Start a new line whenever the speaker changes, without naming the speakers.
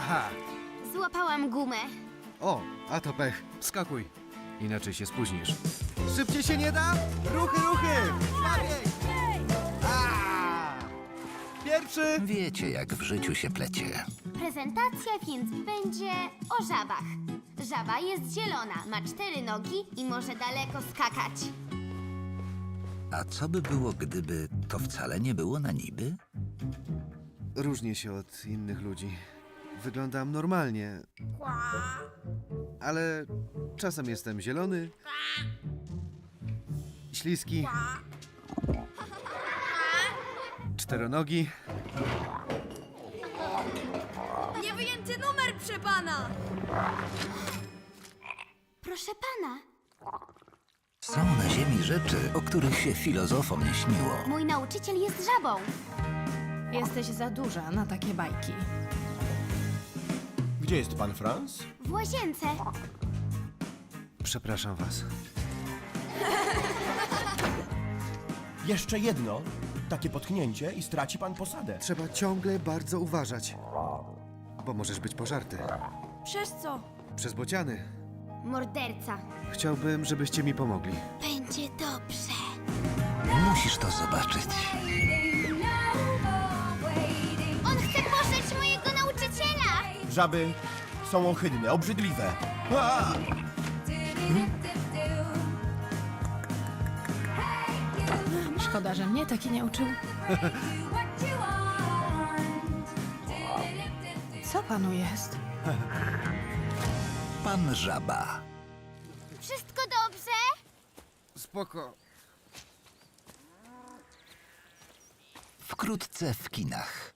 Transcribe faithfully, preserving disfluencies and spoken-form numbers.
Aha!
Złapałam gumę.
O, a to pech. Skakuj. Inaczej się spóźnisz. Szybciej się nie da? Ruchy, ruchy! Szwabiej! A! Pierwszy!
Wiecie, jak w życiu się plecie.
Prezentacja więc będzie o żabach. Żaba jest zielona, ma cztery nogi i może daleko skakać.
A co by było, gdyby to wcale nie było na niby?
Różnię się od innych ludzi. Wyglądam normalnie. Ale czasem jestem zielony, śliski, czteronogi.
Niewyjęty numer, proszę pana!
Proszę pana,
Są na ziemi rzeczy, o których się filozofom nie śniło.
mój nauczyciel jest żabą.
Jesteś za duża na takie bajki.
Gdzie jest pan Franz?
W łazience.
Przepraszam was.
Jeszcze jedno. Takie potknięcie i straci pan posadę.
Trzeba ciągle bardzo uważać, bo możesz być pożarty.
Przez co?
Przez bociany.
Morderca.
Chciałbym, żebyście mi pomogli.
Będzie dobrze.
Musisz to zobaczyć.
On chce poszeć mojego nauczyciela!
Żaby są ohydne, obrzydliwe. A!
Szkoda, że mnie taki nie uczył. Co panu jest?
Pan Żaba.
Wszystko dobrze?
Spoko.
Wkrótce w kinach.